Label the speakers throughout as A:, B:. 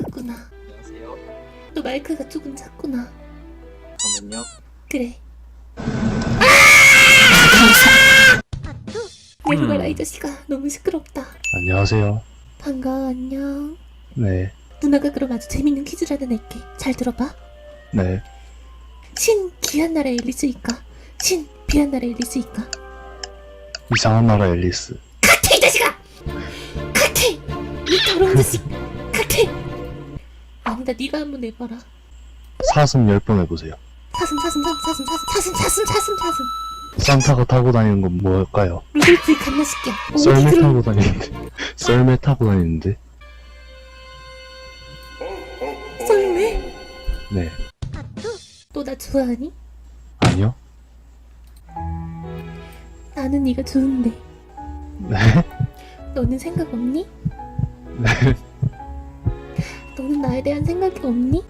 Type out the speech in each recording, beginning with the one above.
A: 작구나.
B: 안녕하세요.
A: 너 마이크가 조금 작구나.
B: 잠깐만요.
A: 그래. 내가 봐라 이 자식아. 너무 시끄럽다.
C: 안녕하세요.
A: 반가워. 안녕.
C: 네,
A: 누나가 그럼 아주 재밌는 퀴즈를 하나 낼게. 잘 들어봐.
C: 네.
A: 신 귀한 나라 앨리스일까? 신 비한 나라 앨리스일까?
C: 이상한 나라 앨리스.
A: 같아 이 자식아! 같아! 이 더러운 자식! 같아! 아니다 네가 한번 내봐라.
C: 사슴 10번 해보세요.
A: 사슴
C: 산타가 타고 다니는 건 뭘까요?
A: 루돌프의 갓나식이야.
C: 썰매 타고 다니는데. 썰매 타고 다니는데.
A: 썰매?
C: 네.
A: 너 나 좋아하니?
C: 아니요?
A: 나는 네가 좋은데
C: 네.
A: 너는 생각 없니?
C: 네.
A: 너는 나에 대한 생각이 없니?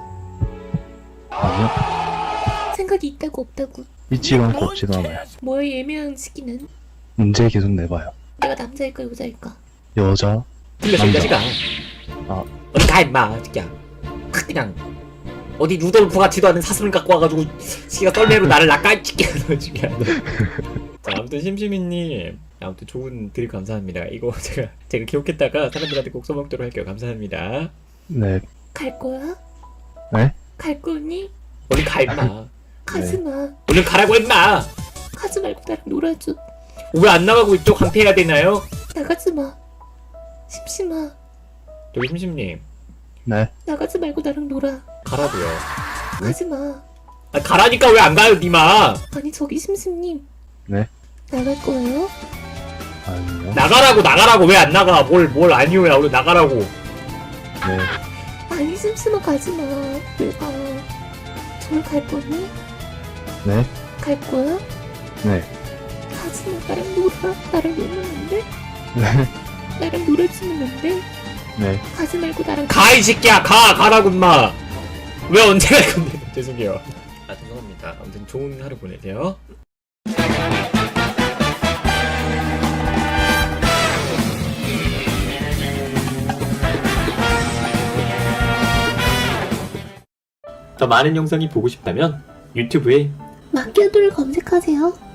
C: 아니요.
A: 생각이 있다고 없다고.
C: 있지도 않고 없지도 않아요.
A: 뭐의 애매한 시기는?
C: 문제 계속 내봐요.
A: 내가 남자일까 여자일까?
C: 여자.
B: 틀렸어 이 자식아.
C: 아.
B: 어디 가 임마 새끼야. 확 그냥 어디 루돌프 같지도 않은 사슴을 갖고 와가지고 지가 썰매로 나를 낚아찍게 넣어주게 하네. 자 아무튼 심심이님 아무튼 좋은 드립 감사합니다. 이거 제가 기억했다가 사람들한테 꼭 써먹도록 할게요. 감사합니다.
C: 네.
A: 갈 거야?
C: 네?
A: 갈 거니?
B: 얼른 가 임마.
A: 가지마.
B: 얼른 가라고 임마.
A: 가지 말고 나랑 놀아줘.
B: 왜 안 나가고 이쪽 강퇴해야 되나요?
A: 나가지마. 심심아.
B: 저기 심심님
C: 네.
A: 나가지 말고 나랑 놀아.
B: 가라고요.
A: 가지마.
B: 아 가라니까 왜 안 가요 니마.
A: 아니 저기 심심님.
C: 네.
A: 나갈 거예요?
C: 아니요.
B: 나가라고 왜 안 나가. 뭘 아니오야. 얼른 나가라고.
C: 네.
A: 아니 심심아 가지마. 왜 가? 정말 갈 거니?
C: 네.
A: 갈 거야?
C: 네.
A: 가지마. 나랑 놀아. 나랑 놀면 안 돼?
C: 네.
A: 나랑 놀아주면 안 돼?
C: 네.
A: 가지 말고 나랑
B: 가 이 새끼야. 가라고 임마. 왜 언제 갈 건데. 죄송해요. 아 죄송합니다. 아무튼 좋은 하루 보내세요. 더 많은 영상이 보고 싶다면 유튜브에
A: 마키아도를 검색하세요.